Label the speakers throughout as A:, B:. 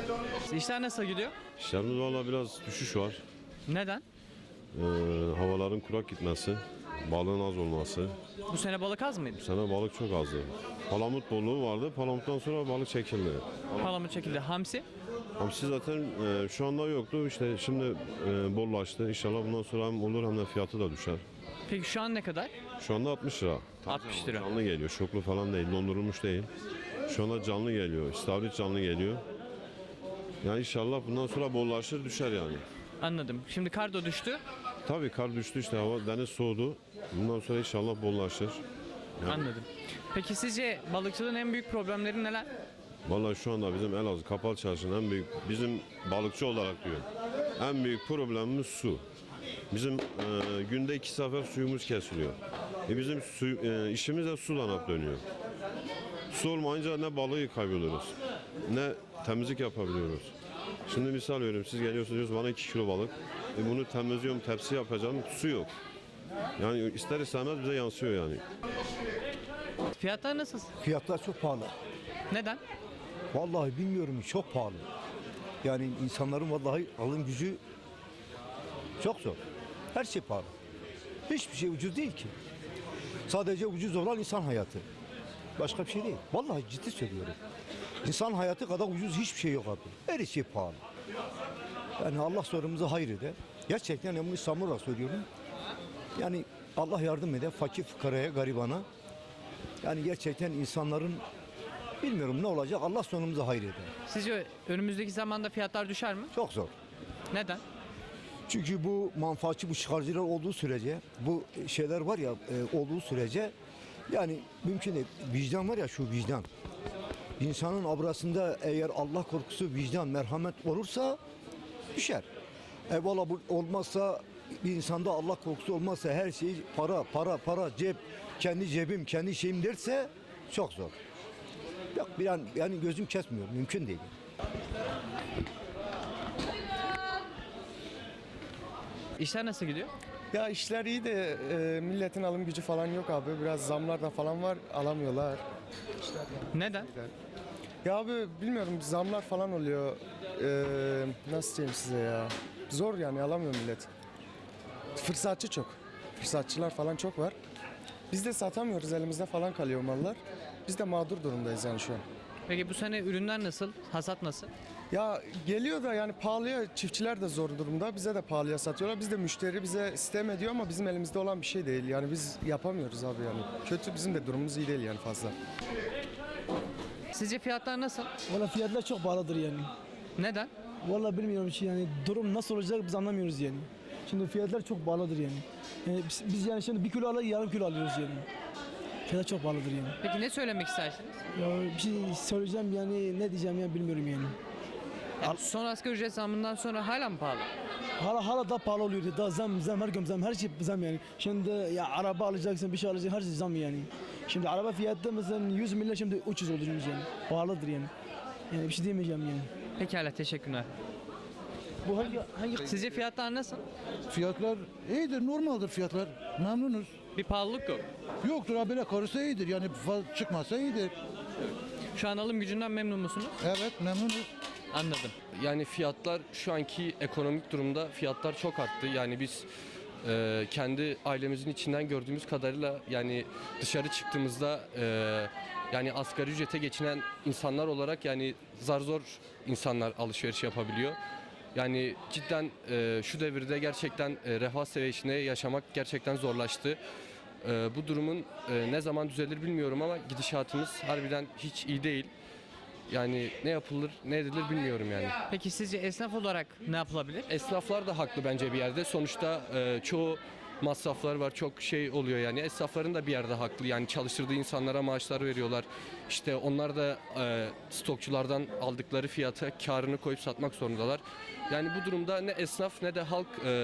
A: İşler nasıl gidiyor?
B: İşlerimiz valla biraz düşüş var.
A: Neden?
B: Havaların kurak gitmesi, balığın az olması.
A: Bu sene balık az mıydı?
B: Bu sene balık çok azdı. Palamut bolluğu vardı. Palamuttan sonra balık çekildi.
A: Palamut çekildi. Hamsi?
B: Hamsi zaten şu anda yoktu. İşte şimdi bollaştı. İnşallah bundan sonra hem olur hem de fiyatı da düşer.
A: Peki şu an ne kadar?
B: Şu anda 60 lira.
A: 60 lira.
B: Canlı geliyor. Şoklu falan değil. Dondurulmuş değil. Şu anda canlı geliyor. İstavrit canlı geliyor. Yani inşallah bundan sonra bollaşır düşer yani.
A: Anladım. Şimdi kar da düştü.
B: Tabii kar düştü işte hava deniz soğudu. Bundan sonra inşallah bollaşır.
A: Anladım. Peki sizce balıkçılığın en büyük problemleri neler?
B: Vallahi şu anda bizim Elazığ Kapalı Çarşı'nın en büyük, bizim balıkçı olarak diyorum, en büyük problemimiz su. Bizim günde 2 sefer suyumuz kesiliyor. Bizim işimiz de sudan hep dönüyor. Su olmayınca ne balığı kaybediyoruz, ne temizlik yapabiliyoruz. Şimdi misal veriyorum, siz geliyorsunuz diyorsunuz bana 2 kilo balık. Bunu temizliyorum, tepsi yapacağım, su yok. Yani ister istemez bize yansıyor yani.
A: Fiyatlar nasıl?
C: Fiyatlar çok pahalı.
A: Neden?
C: Vallahi bilmiyorum, çok pahalı. Yani insanların vallahi alım gücü çok zor. Her şey pahalı. Hiçbir şey ucuz değil ki. Sadece ucuz olan insan hayatı. Başka bir şey değil. Vallahi ciddi söylüyorum. İnsan hayatı kadar ucuz hiçbir şey yok abi. Her şey pahalı. Yani Allah sonumuzu hayır eder. Gerçekten bunu samimi olarak söylüyorum. Yani Allah yardım eder fakir fukaraya, garibana. Yani gerçekten insanların bilmiyorum ne olacak. Allah sonumuzu hayır eder.
A: Sizce önümüzdeki zamanda fiyatlar düşer mi?
C: Çok zor.
A: Neden?
C: Çünkü bu manfaatçı, bu çıkarcılar olduğu sürece, bu şeyler var ya olduğu sürece yani mümkün değil. Vicdan var ya, şu vicdan. İnsanın abrasında eğer Allah korkusu, vicdan, merhamet olursa düşer. Evvela bu olmazsa, bir insanda Allah korkusu olmazsa, her şey para, cep, kendi cebim, kendi şeyim derse çok zor. Yok, bir an yani gözüm kesmiyor, mümkün değil.
A: İşler nasıl gidiyor?
D: Ya işler iyi de milletin alım gücü falan yok abi. Biraz zamlar da falan var, alamıyorlar.
A: Neden?
D: Ya abi bilmiyorum, zamlar falan oluyor. Nasıl diyeyim size ya? Zor yani, alamıyor millet. Fırsatçı çok. Fırsatçılar falan çok var. Biz de satamıyoruz, elimizde falan kalıyor mallar. Biz de mağdur durumdayız yani şu an.
A: Peki bu sene ürünler nasıl? Hasat nasıl?
D: Ya geliyor da yani pahalıya, çiftçiler de zor durumda. Bize de pahalıya satıyorlar. Biz de müşteri bize sistem ediyor ama bizim elimizde olan bir şey değil. Yani biz yapamıyoruz abi yani. Kötü, bizim de durumumuz iyi değil yani fazla.
A: Sizce fiyatlar nasıl?
E: Valla fiyatlar çok pahalıdır yani.
A: Neden?
E: Valla bilmiyorum ki yani durum nasıl olacak biz anlamıyoruz yani. Şimdi fiyatlar çok pahalıdır yani. Yani biz yani şimdi 1 kilo alıyoruz, yarım kilo alıyoruz yani. Fiyatlar çok pahalıdır yani.
A: Peki ne söylemek istersiniz?
E: Ya bir şey söyleyeceğim yani ne diyeceğim ya bilmiyorum yani.
A: Yani son asgari ücret zammından sonra hala mı pahalı?
E: Hala daha pahalı oluyor. Daha zam her gün zam, her şey zam yani. Şimdi ya araba alacaksın, bir şey alacaksın, her şey zam yani. Şimdi araba fiyatı mesela 100 milyar, şimdi 300 olur yani. Pahalıdır yani. Yani bir şey diyemeyeceğim yani.
A: Pekala, teşekkürler.
E: Bu hangi
A: Sizce fiyatlar nasıl?
F: Fiyatlar iyidir, normaldir fiyatlar. Memnunuz.
A: Bir pahalılık yok.
F: Yoktur ha, böyle karısı iyidir. Yani fazla çıkmasa iyidir.
A: Şu an alım gücünden memnun musunuz?
F: Evet, memnunuz.
A: Anladım.
G: Yani fiyatlar şu anki ekonomik durumda fiyatlar çok arttı. Yani biz kendi ailemizin içinden gördüğümüz kadarıyla yani dışarı çıktığımızda yani asgari ücrete geçinen insanlar olarak yani zar zor insanlar alışveriş yapabiliyor. Yani cidden şu devirde gerçekten refah seviyesinde yaşamak gerçekten zorlaştı. Bu durumun ne zaman düzelir bilmiyorum ama gidişatımız harbiden hiç iyi değil. Yani ne yapılır, ne edilir bilmiyorum yani.
A: Peki sizce esnaf olarak ne yapılabilir?
G: Esnaflar da haklı bence bir yerde. Sonuçta çoğu masraflar var, çok şey oluyor yani. Esnafların da bir yerde haklı. Yani çalıştırdığı insanlara maaşlar veriyorlar. İşte onlar da stokçulardan aldıkları fiyata karını koyup satmak zorundalar. Yani bu durumda ne esnaf ne de halk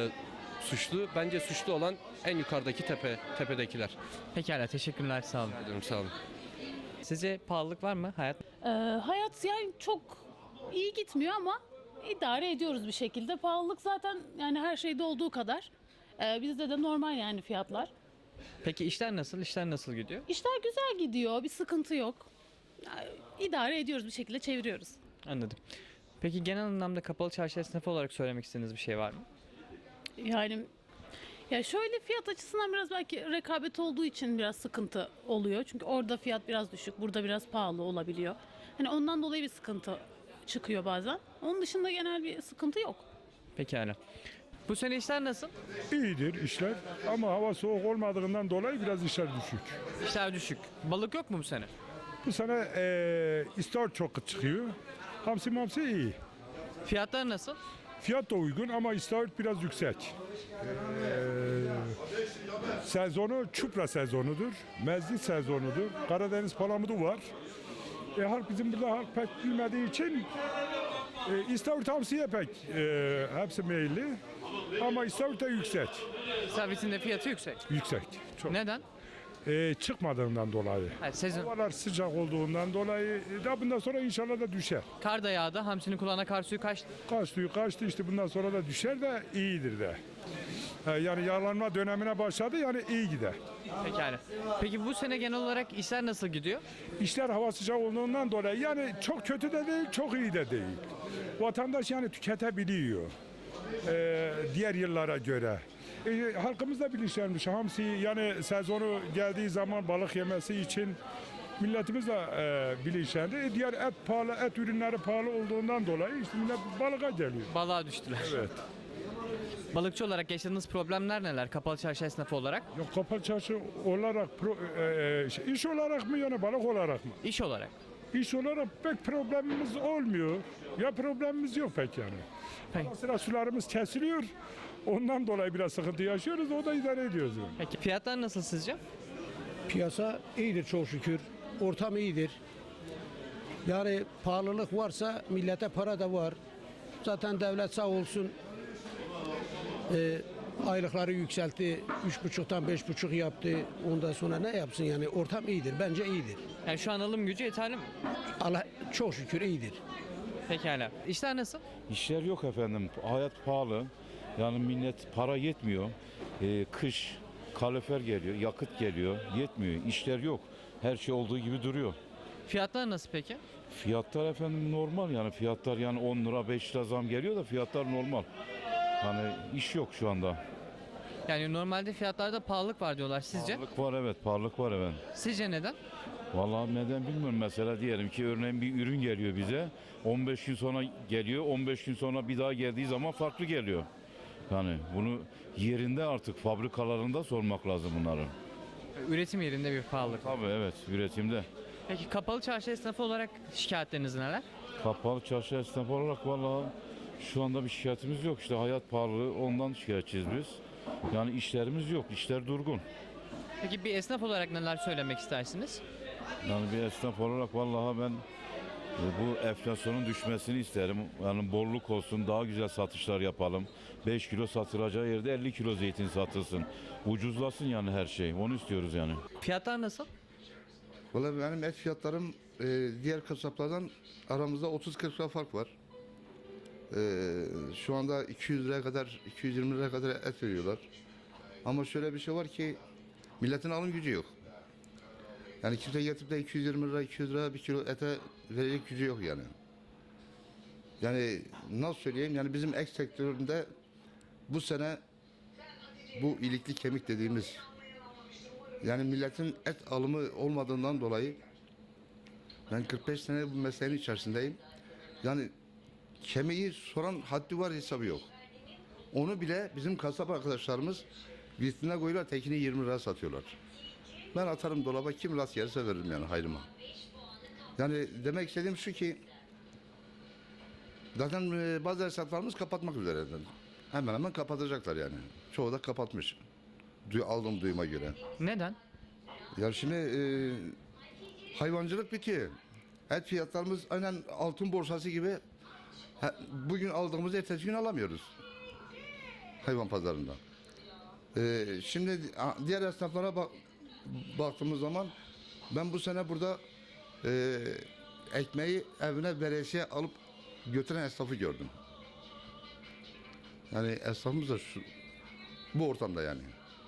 G: suçlu. Bence suçlu olan en yukarıdaki tepedekiler.
A: Pekala, teşekkürler, sağ olun.
G: Diyorum, sağ olun.
A: Sizce pahalılık var mı hayat?
H: Hayat yani çok iyi gitmiyor ama idare ediyoruz bir şekilde. Pahalılık zaten yani her şeyde olduğu kadar. Bizde de normal yani fiyatlar.
A: Peki işler nasıl? İşler nasıl gidiyor?
H: İşler güzel gidiyor, bir sıkıntı yok. Yani idare ediyoruz bir şekilde, çeviriyoruz.
A: Anladım. Peki genel anlamda kapalı çarşı esnafı olarak söylemek istediğiniz bir şey var mı?
H: Yani ya şöyle fiyat açısından biraz belki rekabet olduğu için biraz sıkıntı oluyor. Çünkü orada fiyat biraz düşük, burada biraz pahalı olabiliyor. Hani ondan dolayı bir sıkıntı çıkıyor bazen. Onun dışında genel bir sıkıntı yok.
A: Pekala. Bu sene işler nasıl?
I: İyidir işler ama hava soğuk olmadığından dolayı biraz işler düşük.
A: İşler düşük. Balık yok mu bu sene?
I: Bu sene istavrit çok çıkıyor. Hamsi mamsi iyi.
A: Fiyatlar nasıl?
I: Fiyat da uygun ama istavrit biraz yüksek. Sezonu çupra sezonudur. Mezgit sezonudur. Karadeniz palamudu var. Halk bizim burada halk pek bilmediği için istavrit hamsiye pek hepsi meyilli. Ama istavrit de yüksek.
A: İstavritin de fiyatı yüksek.
I: Yüksek. Çok.
A: Neden?
I: Çıkmadığından dolayı.
A: Evet, sezon.
I: Havalar sıcak olduğundan dolayı da bundan sonra inşallah da düşer.
A: Kar da yağdı. Hamsinin kulağına kar suyu kaçtı.
I: Kaçtı işte bundan sonra da düşer de iyidir de. Yani yağlanma dönemine başladı yani iyi gider.
A: Pekala. Peki bu sene genel olarak işler nasıl gidiyor?
I: İşler hava sıcak olduğundan dolayı yani çok kötü de değil çok iyi de değil. Vatandaş yani tüketebiliyor. Diğer yıllara göre. Halkımız da bilinçlenmiş. Hamsi yani sezonu geldiği zaman balık yemesi için milletimiz de bilinçlendi. Diğer et pahalı, et ürünleri pahalı olduğundan dolayı işte millet balığa geliyor.
A: Balığa düştüler.
I: Evet.
A: Balıkçı olarak yaşadığınız problemler neler? Kapalı çarşı esnafı olarak?
I: Yok kapalı çarşı olarak iş olarak mı yani balık olarak mı?
A: İş olarak.
I: İş olarak pek problemimiz olmuyor. Ya problemimiz yok pek yani.
A: Peki.
I: Ara sıra sularımız kesiliyor. Ondan dolayı biraz sıkıntı yaşıyoruz. O da idare ediyoruz. Yani.
A: Peki fiyatlar nasıl sizce?
J: Piyasa iyidir çok şükür. Ortam iyidir. Yani pahalılık varsa millete para da var. Zaten devlet sağ olsun aylıkları yükseltti. 3,5'tan 5,5 yaptı. Ondan sonra ne yapsın yani ortam iyidir. Bence iyidir.
A: Yani şu an alım gücü yeterli mi?
J: Allah çok şükür iyidir.
A: Pekala. İşler nasıl?
K: İşler yok efendim. Hayat pahalı. Yani millet para yetmiyor. Kış kalorifer geliyor, yakıt geliyor. Yetmiyor. İşler yok. Her şey olduğu gibi duruyor.
A: Fiyatlar nasıl peki?
K: Fiyatlar efendim normal yani fiyatlar yani 10 lira 5 lira zam geliyor da fiyatlar normal. Hani iş yok şu anda.
A: Yani normalde fiyatlarda pahalılık var diyorlar sizce?
K: Pahalılık var evet, pahalılık var efendim.
A: Sizce neden?
K: Vallahi neden bilmiyorum. Mesela diyelim ki örneğin bir ürün geliyor bize. 15 gün sonra geliyor. 15 gün sonra bir daha geldiği zaman farklı geliyor. Yani bunu yerinde artık fabrikalarında sormak lazım bunları.
A: Üretim yerinde bir pahalılık var.
K: Tabii evet üretimde.
A: Peki kapalı çarşı esnafı olarak şikayetleriniz neler?
K: Kapalı çarşı esnafı olarak vallahi şu anda bir şikayetimiz yok. İşte hayat pahalılığı ondan şikayetçiyiz biz. Yani işlerimiz yok. İşler durgun.
A: Peki bir esnaf olarak neler söylemek istersiniz?
K: Yani bir esnaf olarak vallahi ben bu enflasyonun düşmesini isterim. Yani bolluk olsun, daha güzel satışlar yapalım. 5 kilo satılacağı yerde 50 kilo zeytin satılsın. Ucuzlasın yani her şey. Onu istiyoruz yani.
A: Fiyatlar nasıl?
L: Vallahi benim et fiyatlarım diğer kasaplardan aramızda 30-40 lira fark var. Şu anda 200 liraya kadar, 220 liraya kadar et veriyorlar. Ama şöyle bir şey var ki milletin alım gücü yok. Yani kimse getirip de 220 lira, 200 lira bir kilo ete verecek gücü yok yani. Yani nasıl söyleyeyim yani bizim et sektöründe bu sene bu ilikli kemik dediğimiz yani milletin et alımı olmadığından dolayı ben 45 sene bu mesleğin içerisindeyim. Yani kemiği soran haddi var hesabı yok. Onu bile bizim kasap arkadaşlarımız vitrine koyuyorlar tekini 20 lira satıyorlar. Ben atarım dolaba kim rast yerse veririm yani hayrıma. Yani demek istediğim şu ki zaten bazı hesaplarımız kapatmak üzere. Hemen hemen kapatacaklar yani. Çoğu da kapatmış. Aldığım duyuma göre.
A: Neden?
L: Ya şimdi hayvancılık bitiyor. Et fiyatlarımız aynen altın borsası gibi bugün aldığımızı ertesi gün alamıyoruz. Hayvan pazarında. Şimdi diğer esnaflara baktığımız zaman ben bu sene burada ekmeği evine veresiye alıp götüren esnafı gördüm. Yani esnafımız da bu ortamda yani.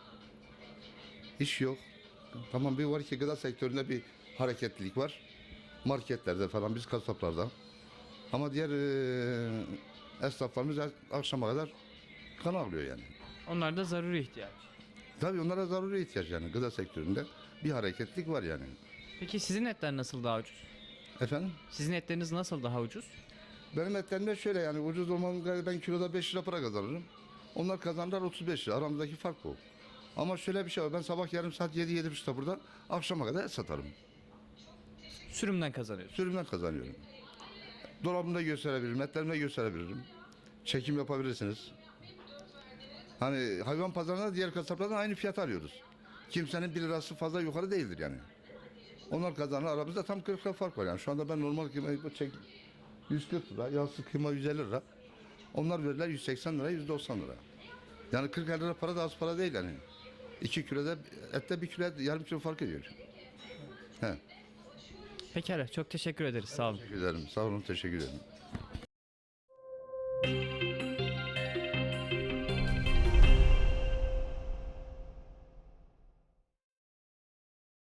L: İş yok. Tamam bir var ki gıda sektöründe bir hareketlilik var. Marketlerde falan biz kasaplarda. Ama diğer esnaflarımız akşama kadar kan ağlıyor yani.
A: Onlar da zaruri ihtiyaç.
L: Tabii onlara zaruri ihtiyaç yani gıda sektöründe bir hareketlik var yani.
A: Peki sizin etler nasıl daha ucuz?
L: Efendim?
A: Sizin etleriniz nasıl daha ucuz?
L: Benim etlerimde şöyle yani ucuz olmanın ben kiloda 5 lira para kazanırım. Onlar kazanırlar 35 lira. Aramızdaki fark bu. Ama şöyle bir şey var. Ben sabah yarım saat 7-7.30'da burada akşama kadar et satarım.
A: Sürümden kazanıyorsunuz.
L: Sürümden kazanıyorum. Dolabımda gösterebilirim, etlerimde gösterebilirim. Çekim yapabilirsiniz. Hani hayvan pazarında diğer kasaplardan aynı fiyat alıyoruz. Kimsenin 1 lirası fazla yukarı değildir yani. Onlar kazanır, aramızda tam 40 lira fark var yani. Şu anda ben normal kıymayı çek 140 lira, yağsız kıyma 150 lira. Onlar verirler 180 lira, 190 lira. Yani 40 lira para da az para değil yani. 2 kiloda ette 1 kilo yarım kilo fark ediyor. He.
A: Pekala çok teşekkür ederiz. Sağ olun.
L: Teşekkür ederim. Sağ olun, teşekkür ederim.